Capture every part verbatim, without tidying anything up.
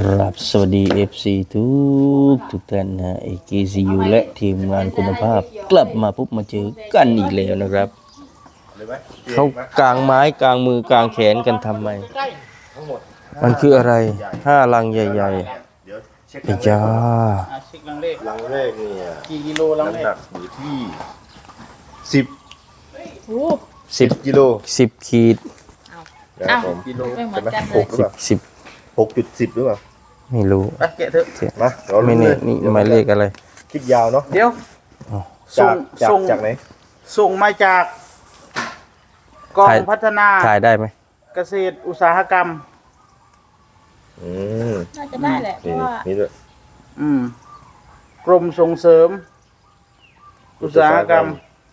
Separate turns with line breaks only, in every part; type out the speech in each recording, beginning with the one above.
ครับสวัสดี เอฟ ซี ทุกทุกท่านนะ เอ เค ซี ยู และทีมงานคุณภาพกลับมาปุ๊บมาเจอกันอีกแล้วนะครับเขากางไม้กางมือกางแขนกันทำไมมันคืออะไรห้าลังใหญ่ๆไอ้จ้า
เช็คลังเลข
ลังแรกเนี่ย
กี่กิโลลังเลข
น้ำหนักอยู่ที่สิบ
สิบ
กิโล
สิบขีด
นะครับผม
กิโล
ไม่เหมือนกันเล
ห
ย
กหรือเปล่า
สิบ
หกจุดสิบหรือเปล่า
ไม่รู้
อ่ะแกะเถอะ
มาเรา
ไม่
ลุ้น
นี่
เลย
นี่หมายเลขอะไร
คิดยาวเนาะ
เดี๋ยว
จาก จาก
ส่ง
จากไหน
ส่งมาจากกองพัฒนา
ถ่ายได้ไหม
เกษตรอุตสาหกรรม
อืม
น่าจะได้แหละเพ
นี่
ราะว่า
นี่ด้วย
อืมกรมส่งเสริม อุตสาหกรรม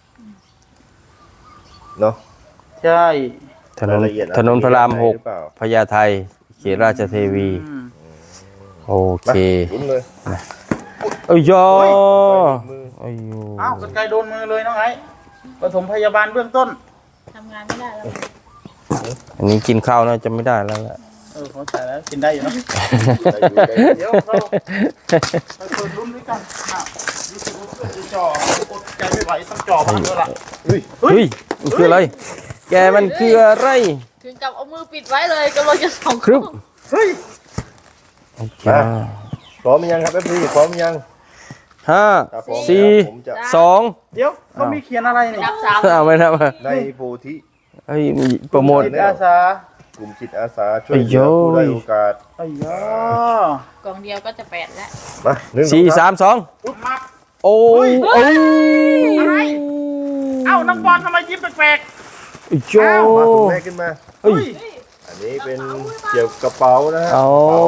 เนาะ
ใช่
ถนน
รายละเอียด
ถนนพระรามหก
หรือเปล่า
พญาไทเขตราชเทวี
อืม
โอเค
มาลุ้นเลย
เอ้ยยอ
มือ
เอ้ยโย
อ้าวกันไกลโดนมือเลยน้องไอ้ปฐมพยาบาลเบื้องต้น
ทำงานไม่ได้แล้ว
อันนี้กินข้าวน่าจะไม่ได้แล้วล่ะ
เออเขาใส่แล้วกินได้อยู่เนอะ
ได้อยู่ได้อยู่
เดี๋ยวเราไปเปิดรุ่นด้วยกันอ่ะรู้สึกว่าเพื่อนจะจ่ออดใจไม่ไหวต้องจ่อมาด้วยล่ะ
เฮ้ย
เฮ้ยมันคืออะไร แกมันคืออะไร
ถึงกับเอามือปิดไว้เลยกำลังจะส่อง
ครึบ
เฮ้ย
จ้า
พร้อมยังครับเอฟซีพร้อมยัง
ห้า
ถ้าพร้อม
สี่
แล้วผมจะ
สอง
เดี๋ยวเขามีเขียนอะไรเนี่ย
นับสาม
เอาไปนะมา
ในโพธิ
เฮ้ยมีโปรโมท
จิตอาสาก
ลุ่มจิตอาสาช่วยเหลือผู้ได้โอกาส
ไอ้ยาก
ล่องเดียวก็จะแปดแล้ว
มาหนึ่ง
สี่
อง
สามสอง
อุ๊บมัก
โอ้ยโอ้ย
อะไร เอ้านักบอลทำไมยิ้มแปลก
ไอ้โจ
มาถุงแรกขึ้นมา
ๆ
เฮ้ย
อันนี้เป็นเกี่ยวกับกระเป๋านะฮะ
เอา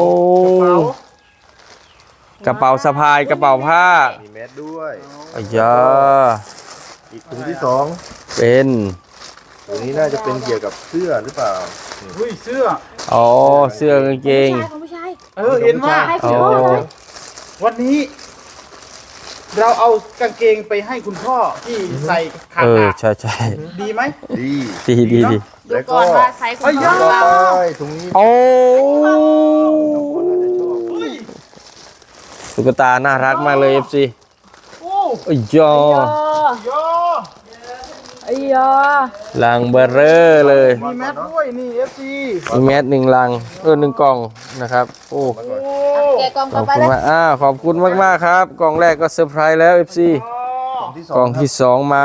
กระเป๋าก
ระเป๋าสะพายกระเป๋าผ้า
มีแมสด้วย
ไอ้ยา
อีกถุงที่สอง
เป็น
ถุงนี้น่าจะเป็นเกี่ยวกับเสื้อหรือเปล่า
เฮ้ยเสื้อ
อ๋อเสื้อกางเกง
ของผู้ชาย
เออเห็นว่า
อ๋อ
วันนี้ เราเอากางเกงไปให้คุณพ่อที่ใส่ขา
เออ
ขา
ใช่ใช่
ดีไหม
ดี
ดีดีดี
ดูก่อนว่าไซส์คุณพ่อ
ต่อ
เรา
ไปถุงนี้
โอ้
เฮ้ย
ตุ๊กตาน่ารักมากเลย เอฟ ซี
โอ้
ไอ้ยอ
ยอ
ไอ้ยอ
ลังเบอร์เรอร์เลย
มีแมสด้วยนี่ เอฟ ซี
มีแมสหนึ่งลังเออหนึ่งกล่องนะครับโอ้
โอ้
แกะกล่อง
ข
ต่
อ
อบ ไป
คุณ
เลย
มากอ้าวขอบคุณมากมากๆครับกล่องแรกก็เซอร์ไพรส์แล้ว เอฟ ซี
ถุงที่ส
ก
อ
ล่อง ง
ครับ
ที่สองมา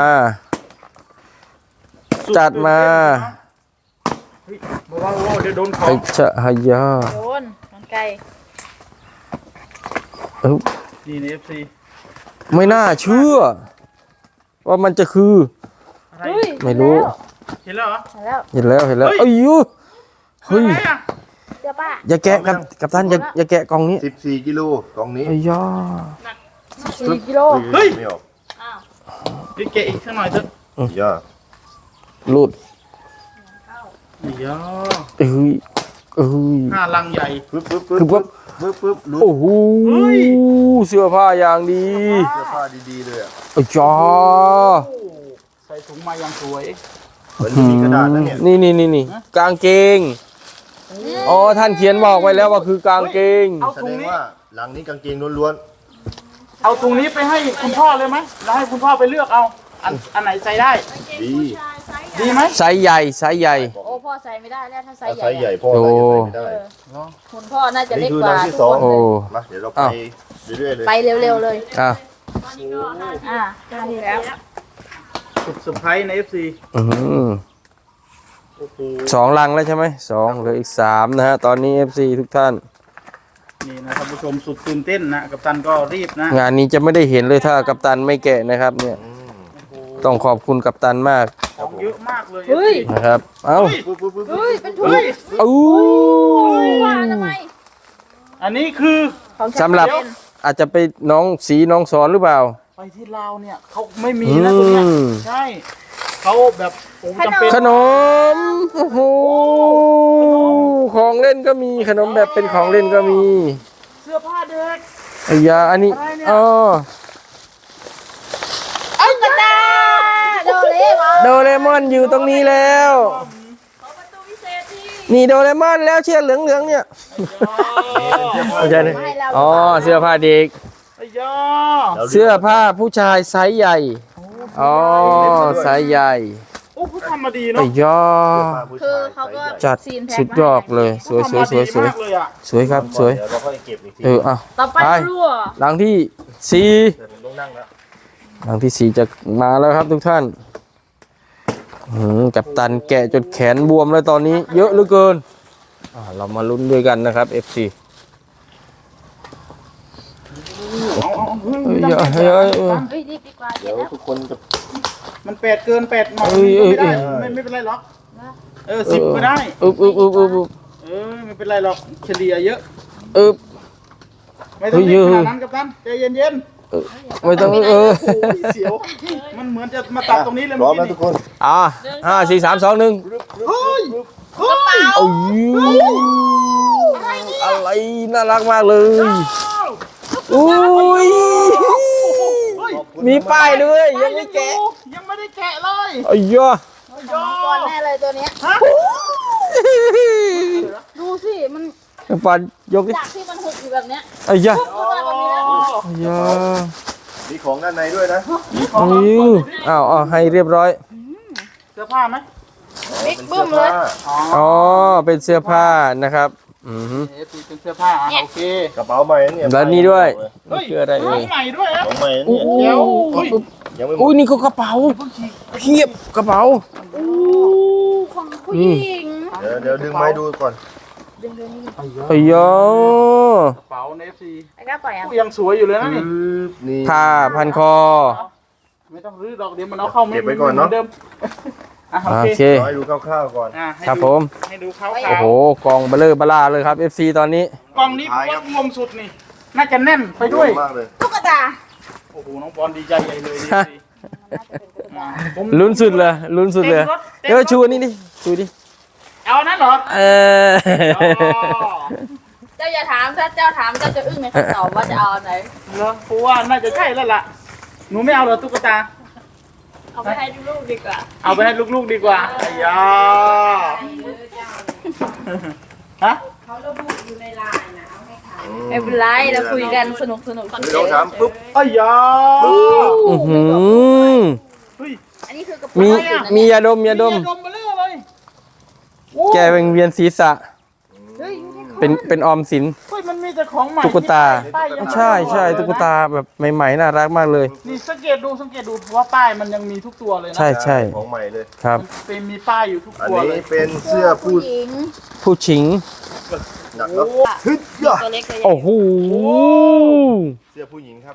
จัดมา
เฮ้ยบอกว่าเดี๋ยวโดนขอ
ไอ้
ง
ชะฮายา
โดนกันไกล
เอ้า
นี่ใน เอฟ ซี
ไม่น่าเชื่อ ว่ามันจะคือ
อะไร
เฮ้ย
ไม่รู้
เห็นแล้วเหรอ
เห็นแล้ว
เห็นแล้วเห็นแล้ว
เฮ้ย
เอ้ยยูเฮ้ย
อะไรอ่ะ
เจ้าป้า
อย่าแกะกับกับท่านอย่าอย่าแกะกล่องนี้
สิบสี่กิโลกล่องนี้
ไอ้ยา
สี่กิโล
เฮ้ย
ไม่ออก
อ้าว
พี่เกะอีกสักหน่อยเถอะ
ย่า
ลูด
ไอ้ยอ
เอ้ยเอ้ย
ห้าลังใหญ่
ปึ๊บปึ๊บปึ๊บ
คือปั๊บ
ปึ๊บปึ๊บลุ้น
โอ้โห
เฮ้ย
เสื้อผ้าอย่างดี
เสื้อผ้าดีๆเลยอ่ะ
ไอ้ยา
โอ้ใส่ถุงมาอย่างสวย
เหมือนมีกระดาษนะเนี่ย
นี่นี่นี่นี่กางเกงอ๋อท่านเขียนบอกไว้แล้วว่าคือกางเกง
เอา
แส
ถุ
ด
ง
ง
นี้
ว่าหลังนี้กางเกงล้วน
เอาถุงนี้ไปให้คุณพ่อเลยไหมแล้วให้คุณพ่อไปเลือกเอา อันอันไหนใส่ได้
ๆดี
ดีไหม
ไซส์ใหญ่ไซส์ใหญ่
โอ้พ่อใส่ไม่ได้แล้วถ้าไซ
ถ้า
ส์ใหญ่
ไซส์ใหญ่
อะ
พ่อน่าจะใส่ไม่ได้
คุณพ่อน่าจะเล็
นี่
ก
คือก
ว่า
ลังที่
ทุก
สอง
คน
โอ้
มาเดี๋ยวเราไป
อ้าว
เรื่อยๆเลย
ไปเร็วๆเลย
อ่ะ
อ่าได้แล้ว
สุดเซอร์ไพรส์ใน เอฟ ซี
อื้อหือ
โอ้โห
สองลังแล้วใช่ไหมสองเหลืออีกสามนะฮะตอนนี้ เอฟ ซี ทุกท่าน
นี่นะท่านผู้ชมสุดตื่นเต้นนะกัปตันก็รีบนะ
งานนี้จะไม่ได้เห็นเลยถ้ากัปตันไม่แกะนะครับเนี่ย
อืม
ต้องขอบคุณกัปตันมาก
ของเยอะมากเลย
เฮ้ย
นะครับ เอ้า
ปึ๊บปึ๊บปึ๊บ
เฮ้ยเป็นถุง
เฮ้ย
อู้
ว่าทำไม
อันนี้คือ
ของ
สำหรับอาจจะไปน้องสีน้องสอนหรือเปล่า
ไปที่ลาวเนี่ยเขาไม่มีนะตรงเนี้ย
อืม
ใช่เขาแบบโอ้จำเป็น
ขนมโอ้โหของเล่นก็มีขนมแบบเป็นของเล่นก็มี
เสื้อผ้าเด็ก
ไอ้ยาอันนี้
อะไรเนี่ย
อ๋อ
เอ้ยกระดาษโดเรมอน
โดเรมอนอยู่ตรงนี้แล้ว
ขอประตูพิเศษที่
นี่โดเรมอนแล้วเชือกเหลืองๆเนี่ยเข้าใจเลยอ๋อเสื้อผ้าเด็ก
ไอ้ยา
เสื้อผ้าผู้ชายไซส์ใหญ่อ๋อไซส์ใหญ่
โอ้ผู้ทำมาดี
ไอ้
เนาะ
ย่อ
คือเขาก็
จัด
ซีนแพ็ค
สุดยอดเลยสวยสวยสวยสวย
มากเลยอ่ะ
สวยครับสวย
เดี๋ยวเราค่อยเก็บอีกที
เออเอา
ต่อไป
ไป
รั่ว
หลังที่สี่
เดี๋ยวผมต้องนั่งแล้ว
หลังที่สี่จะมาแล้วครับทุกท่านอืมกัปตันแกะจนแขนบวมแล้วตอนนี้ เยอะเหลือเกินอ่าเรามาลุ้นด้วยกันนะครับ เอฟ ซี
เอาเอาเฮ้ย
เฮ้ยเฮ้ยเฮ้ยเฮ้ย
เฮ้ยรีบดีกว่าเดี๋
เดี๋
ย
ยว ว
แล้ว
ทุกคนจะ
มันแปดเกินแปดหน่อย
เอ้ยเอ้ย
ไม่ได้
เอ้ย
ไม่ไม่เป็นไรหรอกเออสิบก็ได้
อึบอึบอึบอึบอึบ
เออไม่เป็นไรหรอกเฉลี่ยเยอะ
อึบ
ไม่ต้องรีบ
เฮ้
ข
ย
นาดนั้นกับท่านใจเย็น
ไม่ต้องเออ
ๆโอ้ยเสียวมันเหมือนจะมาตัดตรงนี้เลย
พร้
เมื่
อ
อ
ม
กี้
แล้วทุกคน
อ่าห้าสี่สามสองหนึ่ง
เฮ้ยเฮ้ย
โอ้ยอะไรน่ารักมากเลยอุ้ย
เฮ้ย
มีป้ายด้วยยังไม่แกะ
ยังไม่ได้แกะเลย
อ้ย่อ
ยอ
ก่อนแน่เลยตัวเนี้ย
ฮะ
ดูสิมัน
ปันยกดิ
จากที่มันหุบอยู่แบบเนี้ย
อ้ย่า
ปุ๊บขึ้นมาแบบนี้แล้ว
อ้ย่า
มีของด้านในด้วยนะ
อ้ยอ้าวอ้าวให้เรียบร้อย
เสื้อผ้าไหม
บิ๊กบึ้มเลย
อ๋อ
อ๋อเป็นเสื้อผ้านะครับอือฮึ
เอฟซีเป็นเสื้อผ้าอ่ะโอเค
กระเป๋าใหม่นะเนี่ย
แล้วนี่ด้วย
เฮ้ย
คืออะไร
ข
เอ่
อย งใหม่ด้วยนะ
ของใหม่นะ
อู้
เนี่ย
เดี๋ยวเฮ้ย
ยังไม่หม
อุ้ย
ด
นี่ก็กระเป๋าเพียบกระเป๋า
อู้ของผู้หญิง
เดี๋ยวเดี๋ยวดึงไม้ดูก่อน
ดึงเดือนนี้
อ้ย่อก
ระเป๋าในเอฟซี
ไอ้ก้าปล่อยอ่ะ
ยังสวยอยู่เลยนะนี่
นี่
ผ้าพันคอ
ไม่ต้องรื้อดอกเดี๋ยวมันเอาเข้าไม่
เก็บไว้ก่อนเนอะ
หมืดิมอ่ะโอ
โอ
เค
เค
ขอให้ดูคร่าวๆก่อน
อ่ะให้
ครับ
ดู
ผม
ให้ดูขาว
โอ้โหกองเบลเลอร์บลาเลยครับ เอฟ ซี ตอนนี้
ๆกล่องนี้ผมว่างมสุดนี่ น่าจะแน่นไปด้วย
มากเลย
ตุ๊กตา
โอ้โหน้องบอลดีใจใหญ่เลยดีสิอ่ะผม
ลุ้นสุดเลยลุ้นสุดเลย
เต็มรถเต็มรถ
เดี๋ยวชูอันนี้ดิชูดิ
เอานั่นเหรอ
เออ
อ๋อ
เจ้าอย่าถามถ้าเจ้าถามเจ้าจะอึ้งในคำตอบว่าจะเอาอันไหน
เหรอเพราะว่าน่าจะใช่แล้วล่ะ หนูไม่เอาเหรอตุ๊กตา
เอาไปให้ลูกๆดีกว่า
เอาไปให้ลูกๆดีกว่าไอ้ยาฮะ
ไม่เป็นไรเราคุยกันสนุกสนุก
หนึ่งสองสามปุ๊บ
ไอ้ยา
อื้อหือ
เฮ้ย
อันนี้คือกระ
มี
เป๋าอะไร
มี
เนี่ย
ยาดมยาดม
ดมมาเรื่อยเลยโอ้
แกเป็นเวียนศีรษะ
เฮ้ย
เป็นเป็นออมสิน
เฮ้ยมันมีแต่ของใหม่
ตุ๊กตา
ที่ป้ายยัง
ใช่ใช่ตุ๊กตาแบบใหม่ๆน่ารักมากเลย
นี่สังเกตดูสังเกตดูว่าป้ายมันยังมีทุกตัวเลยนะ
ใช่ใช่
ของใหม่เลย
ครับ
มันเป็นมีป้ายอยู่ทุก
อัน
ตัวเล
นี้
ย
เป็นเสื้อผู้
หญิง
ผู้ชิง
หนักแล้ว
โอ้
ฮึดยะ
ตัวเล็กเลย
โอ้โห
เสื้อผู้หญิงครับ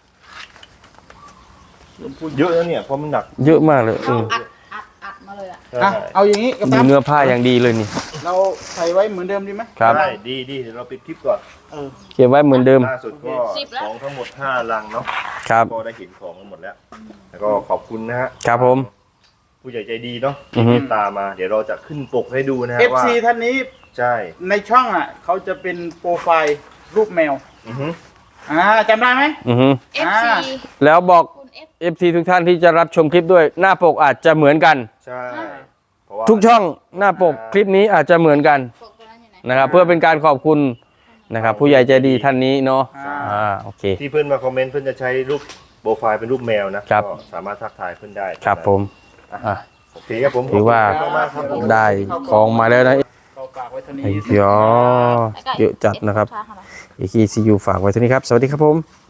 เยอะแล้วเนี่ยเพราะมันหนัก
เยอะมากเลยอืม
อัดอัดอัดมาเลยอ่ะ
อ่ะเอาอย่างนี้กับ
ดู
ตัน
เนื้อผ้าอย่างดีเลยนี่
เราใส่ไว้เหมือนเดิมดีไหม
ครับ
ได้ดีดีเดี๋ยวเราปิดคลิปก่อน
เออ
เก็บไว้เหมือนเดิม
ล่าสุดก็ของทั้งหมดห้าลังเนาะ
ครับ
ก็ได้เห็นของกันหมดแล้ว แล้วก็ขอบคุณนะฮะ
ครับผม
ผู้ใหญ่ใจดีเนาะ
อื
ที่
อฮึ
เมตตามา เดี๋ยวเราจะขึ้นปกให้ดูนะฮะ
เอฟ
ว่า
ซีท่านนี้
ใช่
ในช่องอ่ะเขาจะเป็นโปรไฟล์รูปแมว
อือฮึ
อ่าจำได้ไหม
อือฮึ
เอฟซี
แล้วบอก
คุณเอฟ
เอฟ ซี ทุกท่านที่จะรับชมคลิปด้วยหน้าปกอาจจะเหมือนกัน
ใช่เพราะว่า
ทุกช่องหน้าปกคลิปนี้อาจจะเหมือนกัน
ปกตัวนั้นอยู่ไหน
นะครับ เพื่อเป็นการขอบคุณนะครับ ผู้ใหญ่ใจดีท่านนี้เนาะอ่าโอเค
ที่เพื่อนมาคอมเมนต์เพื่อนจะใช้รูปโปรไฟล์เป็นรูปแมวนะครับ ก็สามารถทักทายเพื่อนได้
ครับผมอ่ะ
โอเคครับผม
ถือว่า
ขบคุณมากๆครับผม
ได้ของมาแล้วนะ
เราฝากไว้เท่านี้
ไอ้ยอเยอะจัดนะครับ เอคีซียูฝากไว้เท่านี้ครับ สวัสดีครับผม